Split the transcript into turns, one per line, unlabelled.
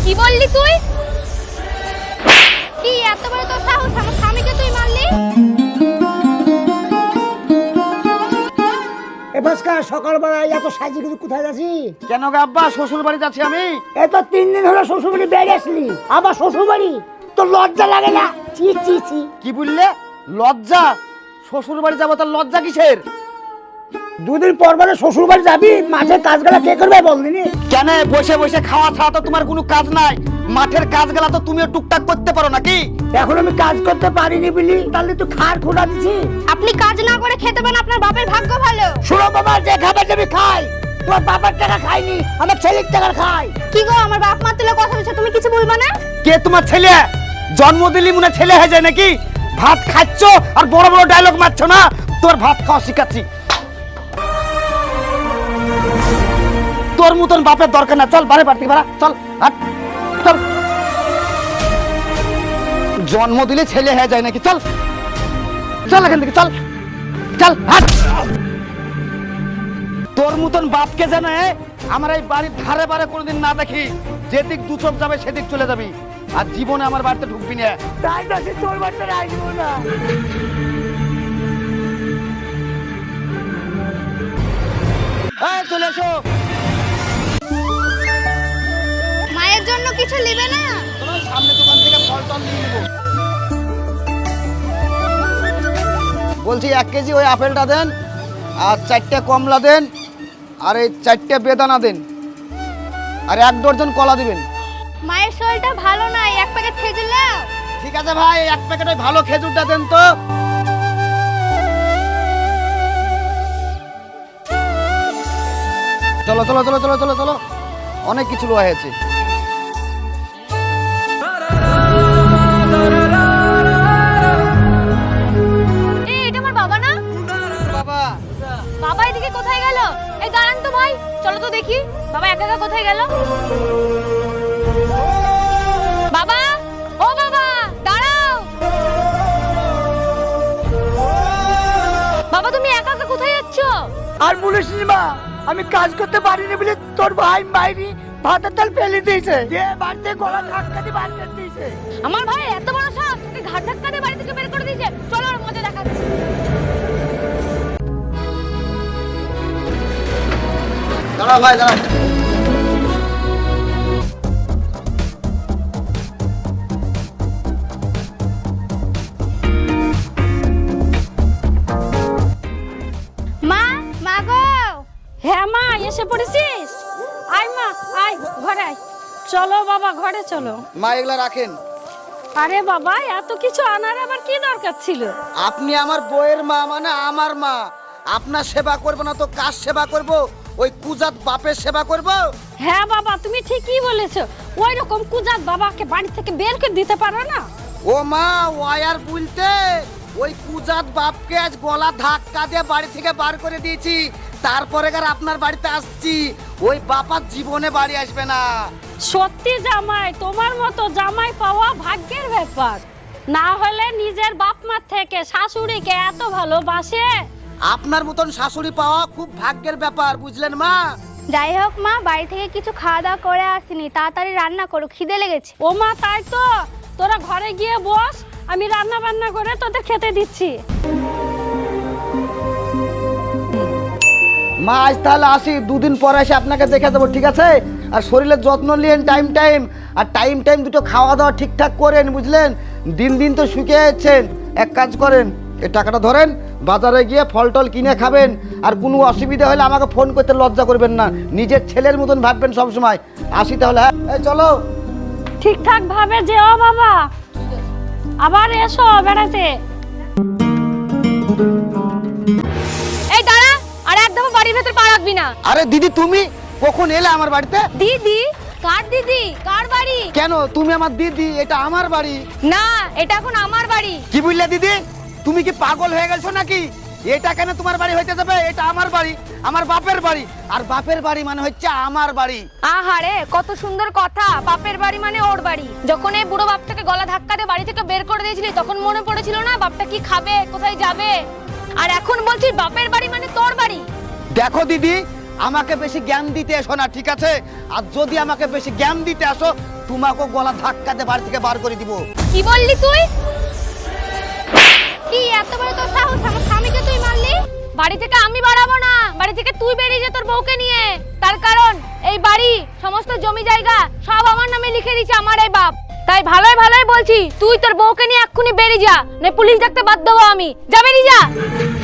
কি বললি তুই? কি এত বড় তোর সাহস, আমার স্বামীকে তুই মারলি?
সকালবেলায় এত সাজি কিছু কোথায় যাচ্ছি?
কেন গে আব্বা, শ্বশুর বাড়ি যাচ্ছি আমি।
এই তো 3 দিন হলো শ্বশুর বাড়ি বেড়ে আসলি, আবার শ্বশুর বাড়ি, তোর লজ্জা লাগে না? ছি ছি ছি।
কি বললে? লজ্জা? শ্বশুর বাড়ি যাবো, তার লজ্জা কিসের?
2 দিন পর পরে শ্বশুর বাড়ি যাবি, মাঠের কাজগুলা কে করবে বলদিনি?
কেন বসে বসে খাওয়া ছাড়া তো তোমার কোনো কাজ নাই? মাঠের কাজগুলা তো তুমিও টুকটাক করতে পারো নাকি?
এখন আমি কাজ করতে পারিনি বলি তাহলে তুই খার খোঁড়া দিছি?
আপনি কাজ না করে খেতে পান, আপনার বাপের ভাগ্য ভালো।
শোনো বাবা, যে খাবার আমি খাই তোমার বাবার টাকা খাইনি, আমার ছেলের টাকা খাই।
কি গো, আমার বাপ মা তুলে কথা বলছে, তুমি কিছু বলবা না?
কে তোমার ছেলে? জন্ম দিলি মনে ছেলে হয়ে যায় নাকি? ভাত খাচ্ছ আর বড় বড় ডায়লগ মারছো না। তোর ভাত খাওয়া শিখাচ্ছি। তোর মতন বাপের দরকার না, চল বাড়ি বাড়তে পারা, চল হাট, চল। জন্ম দিলে ছেলে হয়ে যায় নাকি? চল চল এখান থেকে, চল চল হাট। তোর মতন বাপকে জানে আমার এই বাড়ির ধারে বারে কোনোদিন না দেখি। যেদিক দু চোখ যাবে সেদিক চলে যাবি, আর জীবনে আমার বাড়িতে ঢুকবি না।
তাই না, সে তোর বাড়িতে রাখবো না।
এই চলে এসো।
মায়ের জন্য কিছু নেবে না?
চলো সামনে দোকান থেকে ফল টল নিয়ে নেবো। বলছি 1 কেজি ওই আপেলটা দেন, আর 4টে কমলা দেন, আর এই 4টে বেদানা দেন, আর 1 ডজন কলা দিবেন।
মায়ের শরীরটা ভালো নাই, 1 প্যাকেট খেজুর নাও।
ঠিক আছে ভাই, 1 প্যাকেট ওই ভালো খেজুরটা দেন তো। চলো চলো চলো চলো চলো চলো, অনেক কিছু লোয়া হয়েছে।
এই এটা আমার বাবা না?
বাবা,
বাবা এদিকে কোথায় গেল? এই দাঁড়ান তো ভাই, চলো তো দেখি বাবা একা একা কোথায় গেল। বাবা, ও বাবা দাঁড়াও। বাবা তুমি একা একা কোথায় যাচ্ছ?
আর বলিস নি মা, আমি কাজ করতে পারিনি বলে তোর ভাই মাইরি ভাতের তাল ফেলে দিয়েছে, যে বাড়িতে গলা ধাক্কা দিয়ে বার করে দিয়েছে।
আমার ভাই এত বড় সাহস, তোকে ঘাট ধাক্কা দিয়ে বাড়ি থেকে বের করে দিয়েছে। চলো আর মজা দেখাচ্ছি।
দাঁড়াও ভাই দাঁড়াও।
মা, মা গো।
হ্যাঁ মা, এসে পড়েছিস? আয় মা, আয় ঘরে আয়। চলো বাবা, ঘরে চলো।
মা এগুলা রাখেন।
আরে বাবা, এত কিছু আনার আবার কি দরকার ছিল?
আপনি আমার বউয়ের মা, মানে আমার মা। আপনার সেবা করব না তো কার সেবা করব? ওই কুজাত বাপের সেবা করব?
হ্যাঁ বাবা, তুমি ঠিকই বলেছো। ওই রকম কুজাত বাবাকে বাড়ি থেকে বের করে দিতে পারো না?
ও মা, ওয়ার বলতে ওই কুজাত বাপকে আজ গলা ধাক্কা দিয়ে বাড়ি থেকে বার করে দিয়েছি, তারপরে আর আপনার বাড়িতে আসছি। ওই বাপার জীবনে বাড়ি আসবে না।
সত্যি জামাই, তোমার মতো জামাই পাওয়া ভাগ্যের ব্যাপার। না হলে নিজের বাপ মা থেকে শাশুড়িকে এত ভালোবাসে।
আপনার মতন শাশুড়ি পাওয়া খুব ভাগ্যের ব্যাপার, বুঝলেন মা?
যাই হোক মা, বাড়ি থেকে কিছু খাওয়া দাওয়া করে আসিনি, তাড়াতাড়ি রান্না করো, খিদে লেগেছে।
ও মা, তাই তো, তোরা ঘরে গিয়ে বস, আমি রান্না বান্না করে তোদের খেতে দিচ্ছি।
মা আজ তাহলে আসি, 2 দিন পরে এসে আপনাকে দেখে দেবো, ঠিক আছে? আর শরীরের যত্ন নিয়েন টাইম টাইম, আর টাইম টাইম দুটো খাওয়া দাওয়া ঠিকঠাক করেন, বুঝলেন? দিন দিন তো শুকিয়ে যাচ্ছেন। এক কাজ করেন, এই টাকাটা ধরেন, বাজারে গিয়ে ফল টল কিনে খাবেন। আর কোনো অসুবিধা হলে আমাকে ফোন করতে লজ্জা করবেন না, নিজের ছেলের মতন ভাববেন সব সময়। আসি তাহলে, হ্যাঁ? এই চলো।
ঠিকঠাক ভাবে যেও বাবা, আবার এসো বেড়াতে।
এই দাঁড়া, আর একদম বাড়ির ভেতর পা রাখবি না।
আরে দিদি, তুমি কখন এলে আমার বাড়িতে?
দিদি? কার দিদি? কার বাড়ি?
কেন তুমি আমার দিদি? এটা আমার বাড়ি।
না, এটা এখন আমার বাড়ি।
কি বুঝলে দিদি? তুমি কি পাগল হয়ে গেছো নাকি? এটা কেন তোমার বাড়ি হইতে যাবে? এটা আমার বাড়ি, আমার বাপের বাড়ি। আর বাপের বাড়ি মানে হচ্ছে আমার বাড়ি।
আহারে, কত সুন্দর কথা। বাপের বাড়ি মানে ওর বাড়ি। যখন এই বুড়ো বাপটাকে গলা ধাক্কা দিয়ে বাড়ি থেকে বের করে দিয়েছিলি, তখন মনে পড়েছিল না বাপটা কি খাবে, কোথায় যাবে? আর এখন বলছিস বাপের বাড়ি মানে তোর বাড়ি।
দেখো দিদি, আমাকে বেশি জ্ঞান দিতে এসো না, ঠিক আছে? আর যদি আমাকে বেশি জ্ঞান দিতে আসো তোমাকে গলা ধাক্কা দিয়ে বাড়ি থেকে বার করে দিব।
কি বললি তুই? কি এত বড় তোর সাহস, আমার স্বামীকে তুই মারলি? বাড়ি থেকে আমি বাড়াবো না, বাড়ি থেকে তুই বেরিয়ে যা তোর বউকে নিয়ে। তার কারণ এই বাড়ি সমস্ত জমি জায়গা সব আমার নামে লিখে দিয়েছে আমার এই বাপ। তাই ভালোই ভালোই বলছি, তুই তোর বউকে নিয়ে এক্ষুনি বেরিয়ে যা, না পুলিশ ডাকতে বাধ্য হবো আমি। যা বেরিয়ে যা।